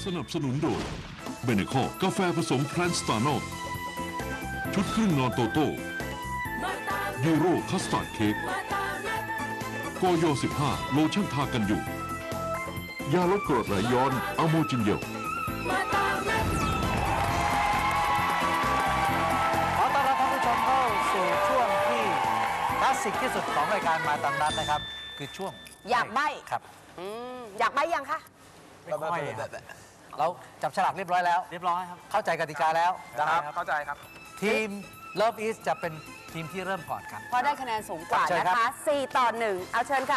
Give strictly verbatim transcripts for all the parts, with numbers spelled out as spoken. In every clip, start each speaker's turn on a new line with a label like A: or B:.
A: สนับสนุนโดยเบเนคอกาแฟผสมแพลนสตาร์โนชุดครึ่งนอนโตโต้ยูโรคัสตาร์ดเค้กโกโยสิบห้าโลชั่นทากันอยู่ยาลดกรดไหลย้อนอะโมจินเยล
B: ขอต้อนรับท่านผู้ชมเข้าสู่ช่วงที่คลาสสิกที่สุดของรายการมาตามนัดนะครับคือช่วง
C: อยากใบ้
B: ครับ
C: อยากใบ้ยังคะ
B: ไม่ค่อยเราจับฉลากเรียบร้อยแล้วเรียบร้อยครับเข้าใจกติกาแล้ว
D: นะครับเข้าใจครับ
B: ทีม Love East จะเป็นทีมที่เริ่มก่อนครับ
C: เพราะได้คะแนนสูงกว่านะคะสี่ต่อหนึ่งเอาเชิญค่ะ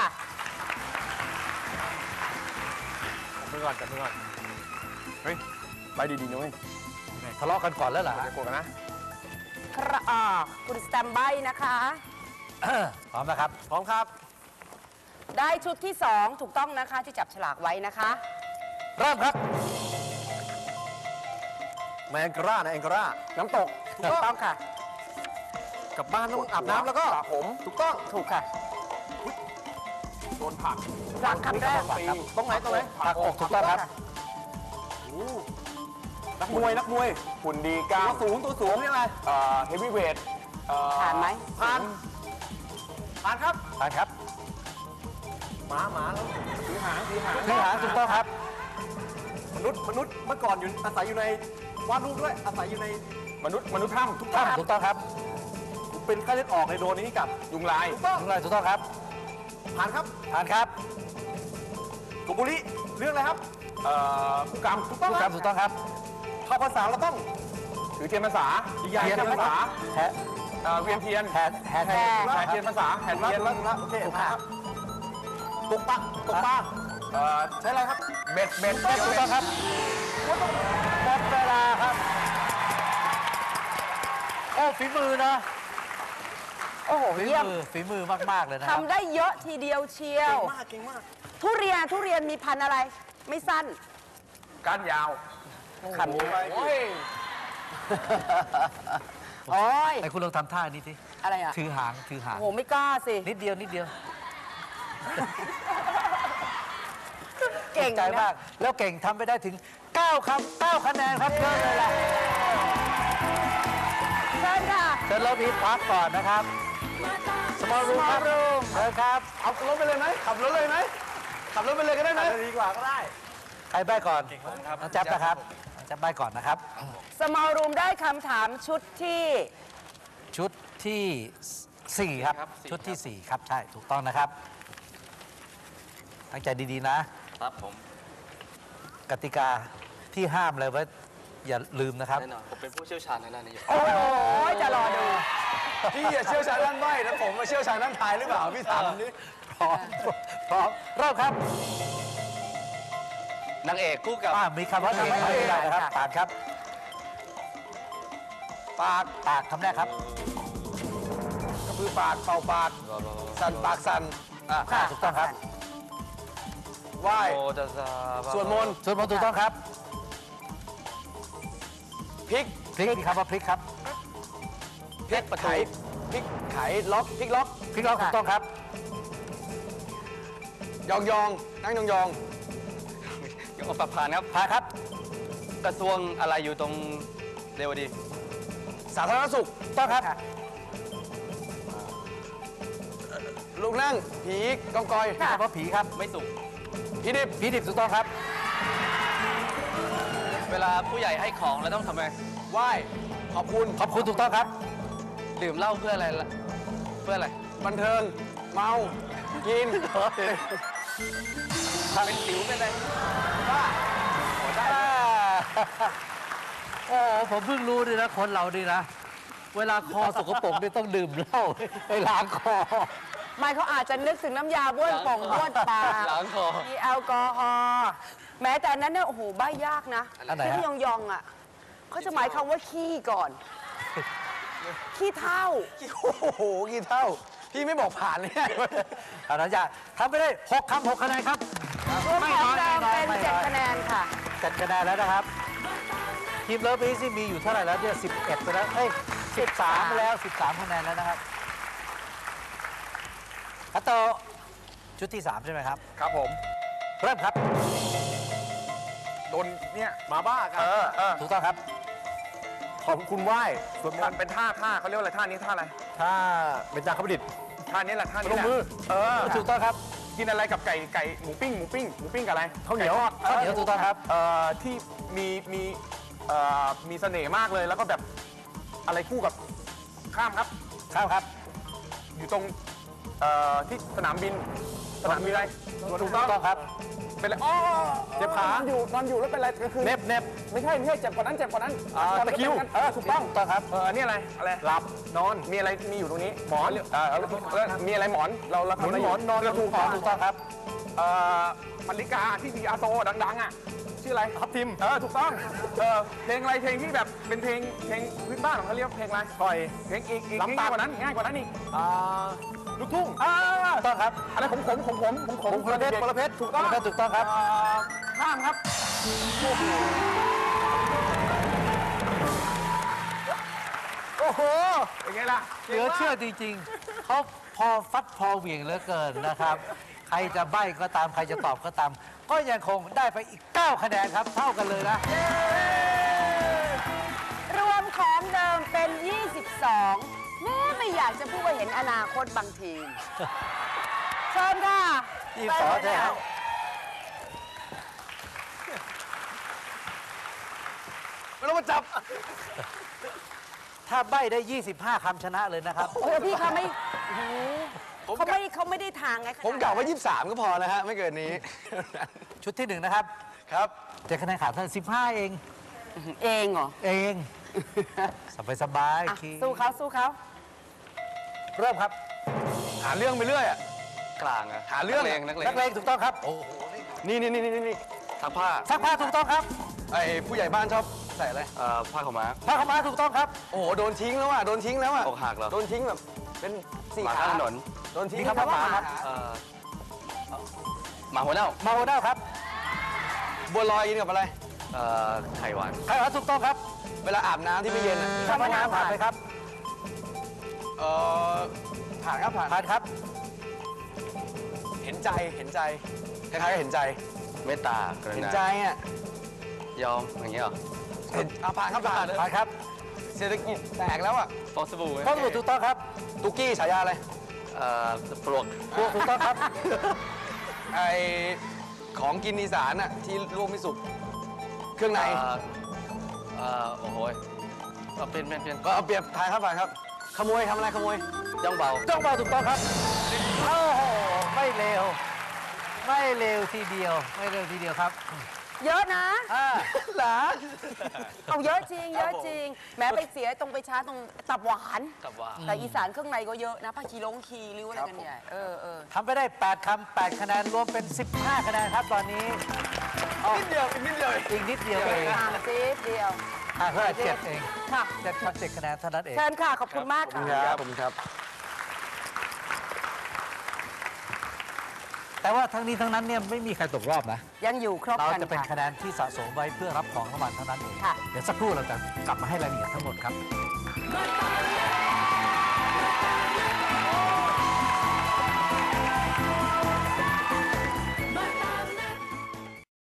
D: จับมือก่อนจับมือก่อนเฮ้ยใบดีๆนุ้ย
B: ทะเลาะกันก่อนแล้วเหรอ
D: จะโกรธกันนะ
C: ครอ่าคุณสแตมใบ้นะคะ
B: พร้อมนะครับ
D: พร้อมครับ
C: ได้ชุดที่สองถูกต้องนะคะที่จับฉลากไว้นะคะ
B: เริ่มครับ
D: แมงกะร่านะแองกะร่าน้ำตก
C: ถูกต้องค่ะ
D: กลับบ้านต้องอาบน้ำแล้วก็สระผมถูกต้อง
C: ถูกค่ะ
D: โดนผัก
C: ผักคำแรก
D: ตรงไหนตรงไหน
B: ผักอกถูกต้องครับ
D: นักมวยนักมวยหุ่นดีกล้ามตัวสูงตัวสูงนี่อะไรเอ่อเฮฟวีเวท
C: ผ่านไหม
D: ผ่านผ่านครับ
B: ผ่านครับ
D: หมาหมาแล้วถือหางถือหาง
B: ถือหางถูกต้องครับ
D: มนุษย์มนุษย์เมื่อก่อนอยู่อาศัยอยู่ในวาดรูปด้วยอาศัยอยู่ในมนุษย์มนุษย์ถ้ำทุกถ้
B: ำถูกต้องครับ
D: เป็นไข้เลือดออกในโดนนี้กับยุงลาย
B: ถูกต้องยุงลายถูกต้องครับ
D: ผ่านครับ
B: ผ่านครับ
D: กบุรีเรื่องอะไรครับเอ่อผู้กำ
B: ถูกต้องครับถูกต้องครับ
D: เข้าภาษาเราต้องถือเทียนภาษาดียาเทียนภาษา
B: แห่
D: เวียนเทียน
B: แห่แห่
D: แห่เทียนภาษาแห่เทียนโอเคครับตกปลาตกปลาเอ่อใช้อะไรครับเบ็ดเบ็ด
B: ถูกต้องครับหมดเวลาครับโอ้ฝีมือนะ
C: โอ้โห
B: ฝีมือฝีมือมากๆเลยนะ
C: ทำได้เยอะทีเดียวเชียว
D: เก่งมากเก่งมาก
C: ทุเรียนทุเรียนมีพันธุ์อะไรไม่สั้น
D: ก้านยาว
C: ขัน
D: ไปโอ้ย
C: โอ้ย
B: ไอ้คุณลองทำท่านี้สิ
C: อะไรอ่ะ
B: ถือหางถือหาง
C: โอ้โหไม่กล้าสิ
B: นิดเดียวนิดเดียว
C: เก่ง
B: ใจมากแล้วเก่งทำไปได้ถึงเก้าคำเก้าคะแนนครับเยอะเลยล่ะ
C: เชิญค่ะ
B: เชิญเราพีพักก่อนนะครับสมอลรูมครับเชิญครับ
D: เอารถไปเลยไหมขับรถเลยไหมขับรถไปเลยก็ได้ไหมดีกว่าก็ได้
B: ใครใบ้ก่อนน้องจับนะครับจับใบ้ก่อนนะครับ
C: สมอลรูมได้คำถามชุดที่
B: ชุดที่สี่ครับชุดที่สี่ครับใช่ถูกต้องนะครับตั้งใจดีๆนะครับ
E: ผม
B: กติกาที่ห้ามเลยว่าอย่าลืมนะครับ
E: แน่นอนผมเป็นผู้เชี่ยวชาญในด้านนี้
C: โอ้ยจะรอดู
D: พี่อย่าเชี่ยวชาญด้านใบ้นะผมมาเชี่ยวชาญด้านทายหรือเปล่าพี่ถามนี่
B: พร้อมพร้อมเริ่มครับ
E: นางเอกคู่กับ
B: มีคำว่าเอกไม่ได้นะครับปากครับ
D: ปาก
B: ปากคำแรกครับ
D: ก็คือปากเป่าปากสั่นปากสั่น
B: อ่าถูกต้องครับ
D: ไหว้สวดมนต์
B: สวดมนต์ถูกต้องครับ
D: พริก
B: พริกมีคำว่าพริกครับ
D: พริกไข่พริกไข่ล็อกพริกล็อก
B: พริกล็อกถูกต้องครับ
D: ยองยองนั่งยองยอง
E: ยองประพานครับ
B: พาครับ
E: กระทรวงอะไรอยู่ตรงเรวดี
D: สาธารณสุข
B: ต้องครับ
D: ลูกนั่งผีกองกอย
B: คำว่าผีครับ
E: ไม่สุก
D: ผีดิบ
B: ผีดิบถูกต้องครับ
E: เวลาผู้ใหญ่ให้ของแล้วต้องทำไง
D: ไหว้ขอบคุณ
B: ขอบคุณถูกต้องครับ
E: ดื่มเหล้าเพื่ออะไรล่ะเพื่ออะไร
D: บันเทิงเมากิน
E: เป็นสิวเป็นอะไร
D: บ้า
B: โอ้ผมเพิ่งรู้ด้วยนะคนเราดีนะเวลาคอสกปรกนี่ต้องดื่มเหล้าไปล้างคอ
C: ไม่เขาอาจจะนึกถึงน้ำยาบ้วนป่องบ้วนปากมีแอลกอฮอล์แม้แต่นั้นเนี่ยโอ้โหใบ้ยากนะที่ยองยองอ่ะเขาจะหมายคำว่าขี้ก่อนขี้เท่า
D: โอ้โหขี้เท่าพี่ไม่บอกผ่านเลย
B: อาจารย์จะทำไปได้หกคำหกคะแนนครับ
C: ไม่น้อยเป็นเจ็ดคะแนนค่ะ
B: เจ็ดคะแนนแล้วนะครับทีมเลิฟอีซี่มีอยู่เท่าไหร่แล้วเนี่ยสิบเอ็ดไปแล้วเอ้ยสิบสามไปแล้วสิบสามคะแนนแล้วนะครับคัตโตชุดที่สามใช่ไหมครับ
D: ครับผม
B: เริ่มครับ
D: โดนเนี่ยหมาบ้ากันเออเออ
B: ถูกต้องครับ
D: ขอบคุณไหว้ส่วนมันเป็นท่าท่าเขาเรียกว่าอะไรท่านี้ท่าอะไร
B: ถ้าเป็นจาคประดิษฐ์
D: ท่านี้แหละท่านี้
B: ล
D: แห
B: ง
D: ละ
B: มือ
D: เออ
B: ถูกต้องครับ
D: กินอะไรกับไก่ไก่หมูปิ้งหมูปิ้งหมูปิ้งกับอะไร
B: ข้าวเหนียว
D: ไก่ทอด
B: ข้าวเหนียวถูกต้องครับ
D: เอ่อที่มีมีเอ่อมีเสน่ห์มากเลยแล้วก็แบบอะไรคู่กับข้ามครับ
B: ข้าวครับ
D: อยู่ตรงเอ่อที่สนามบินสนามบินอะไรถูกต้อง
B: ถูกต้องครับ
D: เป็นอะไรอ๋อเจ็บขานอนอยู่นอนอยู่แล้วเป็นอะไรก็คือ
B: เน็บเน็บ
D: ไม่ใช่ไม่ใช่เจ็บกว่านั้นเจ็บกว่านั้น
B: อ่า
D: ก่อน
B: ตะคริว
D: เออถูกต้อง
B: ถูกต้องครับ
D: เอออันนี่อะไรอะไร
B: หลับนอน
D: มีอะไรมีอยู่ตรงนี้หมอนเออแล้วแล้วมีอะไรหมอนเราเรา
B: หนุน
D: ทำะไร
B: หมอนนอน
D: กระถูก
B: หมอนถูกต้องครับ
D: เอ่อมาริกาที่พีอาโตดังๆอ่ะชื่ออะไร
B: ทับทิม
D: เออถูกต้องเออเพลงอะไรเพลงที่แบบเป็นเพลงเพลงพื้นบ้านของเขาเรียกเพลงอะไร
B: ปล่อย
D: เพลงอีกอีก
B: ลำตัด
D: ง่ายกว่านั้นง่ายกว่านั้นอีก
B: อ่า
D: ลูกทุ่ง
B: อ่าถูกต้องครับ
D: อะไรขมขมขมขมขมขม
B: พลเพชรพลเพชร
D: ถูกต้อง
B: พลเพชรถูกต้องครับ
D: เข้ามครับโอ้โหเป็นไงล่ะ
B: เหลือเชื่อจริงๆ เขาพอฟัดพอเหวี่ยงเหลือเกินนะครับ ใครจะใบ้ก็ตาม ใครจะตอบก็ตาม ก็ยังคงได้ไปอีก เก้า คะแนนครับ เท่ากันเลยนะ
C: รวมของเดิมเป็น ยี่สิบสองแม่ไม่อยากจะพูดว่าเห็นอนาคตบางทีม เชิญค่ะ
B: ยี่สิบสองใช่ไหม
D: ไม่ต้องมาจับ
B: ถ้าใบ้ได้ ยี่สิบห้า คำชนะเลยนะครับ
C: โอ้พี่เขาไม่โอ้โหเขาไม่เขาไม่ได้ทางไง
E: ผมกล่าวว่ายี่สิบสามก็พอนะฮะ ไม่เกินนี้
B: ชุดที่หนึ่งนะครับ
E: ครับ
B: เจ็ดคะแนนขาดเท่าสิบห้าเอง
C: เองเหรอ
B: เอง สบายสบาย
C: อ่ะ
B: คี
C: สู้เขาสู้เขา
B: เริ่มครับ
D: หาเรื่องไปเรื่อยอะ
E: กลางอะ
D: หาเรื่อง
E: นักเลงนักเลง
B: นักเลงถูกต้องครับ โอ้โห
E: นี่นี่นี่นี่นี่ซักผ้า
B: ซักผ้าถูกต้องครับ
E: ไอ้ผู้ใหญ่บ้านชอบใส่อะไรเอ่อผ้าขาวม้า
B: ผ้าขาวม้าถูกต้องครับ
E: โอ้โห โดนทิ้งแล้วอ่ะ โดนทิ้งแล้วอ่ะ
F: อกหักเหรอ
E: โดนทิ้งแบบ เป็นสี่
F: หมา
E: ขา
F: ข้างถนน
E: โดนทิ้ง
B: มีคำว่าหมาครับ
E: เอ่อ
F: หมาหัวเน่า
B: มาโอเดลครับ
E: บัวลอยกินกับอะไร
F: เอ่อไข่หวาน
B: ใครว่าถูกต้องครับ
E: เวลาอาบน้ำที่ไม่เย็นอ่ะ
B: คำว่าน้ำผ่านไปครับ
E: เอ่อ ผ่านครับผ่าน
B: ผ่านครับ
E: เห็นใจ เห็นใจ คล้ายๆกับเห็นใจ
F: เมตตากรุ
E: เห็น
F: ณา
E: ใจอ่ะ
F: ยอมอย่างเงี้ยเหรอ
E: เห็นอ่ะผ่านครับผ่าน
B: ผ่านครับ
E: เศรษฐกิจแตกแล้วอ่ะ
F: ฟองสบู่
B: ข้อสรุปถูกต้องครับ
E: ตุกกี้ฉายาอะไร
F: เอ่อปลวก
B: พวกถูกต้องครับ
E: ไอของกินอีสานอ่ะที่ลวกไม่สุก เครื่องใน
F: เอ่อเอ่อโอ้โหยเอาเป็นเป็นเป็น
E: ก็เอาเปรียบทายครับผ่านครับ ขโมยทำอะไรขโมย
F: ย่องเบา
B: จ้องเบาถูกต้องครับ โอ้โห ไม่เร็ว ไม่เร็วทีเดียว ไม่เร็วทีเดียวครับ
C: เยอะนะ
B: อ่า
E: หลา
C: เอาเยอะจริง เยอะจริง แม้ไปเสียตรงไปช้าตรงตับหวาน
F: กับว่า
C: แต่อีสานเครื่องในก็เยอะนะผ้าคีลงคีริ้วอะไรกันใหญ่เออเออ
B: ทำไปได้ แปด คำ แปด คะแนน รวมเป็น สิบห้า คะแนนครับตอนนี้
E: นิดเดียวอีกนิดเดียว
B: อีกนิดเดียวเอง
C: ห่างซีดเดียว
B: อ่ะเท่าไหร่เจ็ดเอง
C: ค่ะ
B: เจ็ดคำเจ็ดคะแนนเท่านั้นเอง
C: เชิญค่ะ ขอบคุณมากค่ะ
E: ครับผมครับ
B: แต่ว่าทั้งนี้ทั้งนั้นเนี่ยไม่มีใครตกรอบนะ
C: ยังอยู่ครบ
B: เรา
C: กัน
B: จะเป็น
C: ค่ะ
B: คะแนนที่สะสมไว้เพื่อรับของรางวัลเท่านั้นเอง
C: ค่ะ
B: เดี๋ยวสักครู่เราจะกลับมาให้รายละเอียดทั้งหมดครับ
A: มาตามนัด